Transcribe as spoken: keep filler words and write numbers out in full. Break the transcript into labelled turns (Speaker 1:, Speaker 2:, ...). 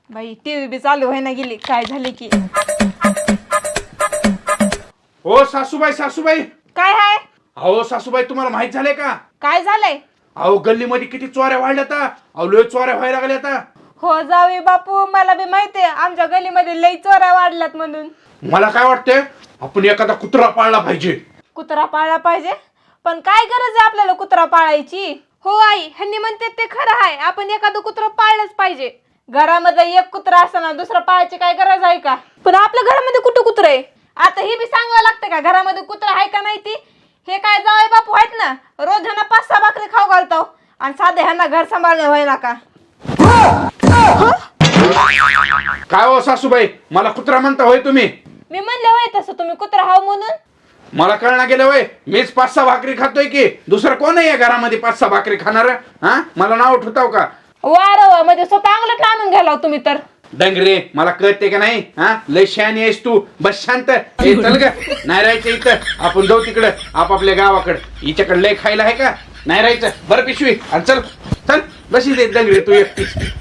Speaker 1: बाई टीव्ही बी चालू व्हायना गेली, काय झाले की?
Speaker 2: हो सासूबाई सासूबाई
Speaker 1: काय हाय?
Speaker 2: अहो सासूबाई तुम्हाला माहित झालंय का?
Speaker 1: काय झालंय?
Speaker 2: अहो गल्लीमध्ये किती चोऱ्या वाढल्यात अहो लय चोऱ्या व्हायला लागल्यात.
Speaker 1: हो जावे बापू, मला बी माहितीये आमच्या गलीमध्ये लई चोऱ्या वाढल्यात म्हणून.
Speaker 2: मला काय वाटतंय आपण एखादा कुत्रा पाळला पाहिजे.
Speaker 1: कुत्रा पाळला पाहिजे? पण काय गरज आहे आपल्याला कुत्रा पाळायची? हो आई, ह्यांनी म्हणते ते खरं आहे, आपण एखादं कुत्रा पाळलंच पाहिजे. घरामध्ये एक कुत्रा असताना दुसरा पाळायची काय गरज आहे का? पण आपल्या घरामध्ये कुठं कुत्रा आहे? आता हे बी सांगावं लागतं का घरामध्ये कुत्रा आहे का नाही ती? हे काय जावई बापू आहेत ना, रोज ह्यांना पाच सहा भाकरी खाऊ घालतो आणि साधे ह्यांना घर सांभाळणं व्हायला का?
Speaker 2: काय हो सासूबाई, मला कुत्रा म्हणता होय तुम्ही?
Speaker 1: मी म्हणले होय तसं तुम्ही कुत्रा हाव म्हणून.
Speaker 2: मला कळना गेलं होय, मीच पाच सहा भाकरी खातोय की दुसरं कोण आहे या घरामध्ये पाच सहा भाकरी खाणार? हा मला नाव ठेवताव का?
Speaker 1: वार वा, म्हणजे स्वतः अंगलट आणून घ्याला हो तुम्ही तर.
Speaker 2: डंगरे मला कळते का नाही? हा लय शहाणी आहेस तू, बस शांत. ए, चल ग, नाही राहायचं इथं, आपण जाऊ तिकडं आपापल्या गावाकडं. हिच्याकडे लय खायला आहे का? नाही राहायचं, बरं पिशवी आणि चल चल बशी दे डंगरे तू एकटीच.